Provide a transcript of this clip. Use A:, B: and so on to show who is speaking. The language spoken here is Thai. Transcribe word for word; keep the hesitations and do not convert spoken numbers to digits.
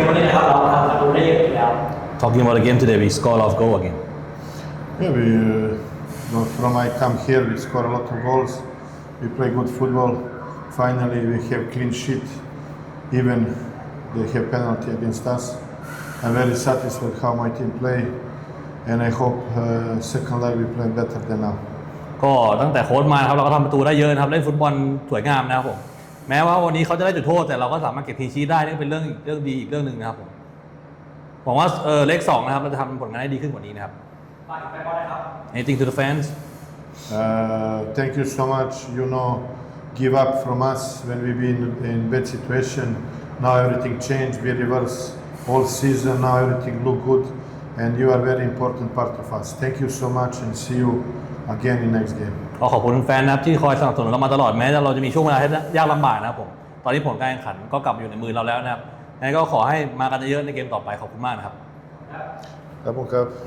A: วันนี้นะครับเราทำประตูได้เยอะอยู่แล้ว
B: Talking about the game today, we score a lot of goal again.
C: Yeah, we uh, from I come here, we score a lot of goals. We play good football. Finally, we have clean sheet. Even they have penalty against us. I'm very satisfied how my team play, and I hope uh, second leg we play better than now.
B: ก็ตั้งแต่โค้ชมาครับเราก็ทำประตูได้เยอะนะครับเล่นฟุตบอลสวยงามนะครับผมแม้ว่าวันนี้เขาจะได้จุดโทษแต่เราก็สามารถเก็บทีชีได้นี่เป็นเรื่องเรื่องดีอีกเรื่องหนึ่งนะครับผมหวังว่าเออเลขสองนะครับเราจะทำผลงานได้ดีขึ้นกว่านี้นะครับ Anything to the fans?
C: Uh, thank you so much. You know, give up from us when we been in bad situation. Now everything changed. We reverse all season. Now everything look good, and you are very important part of us. Thank you so much, and see you again in next game.
B: ก็ขอบคุณแฟนนะครับที่คอยสนับสนุนเรามาตลอดแม้เราจะมีช่วงเวลาที่ยากลำบากนะครับผมตอนนี้ผลการแข่งขันก็กลับมาอยู่ในมือเราแล้วนะครับงั้นก็ขอให้มากันเยอะๆในเกมต่อไปขอบคุณมากนะครับ
C: ครับผมครับ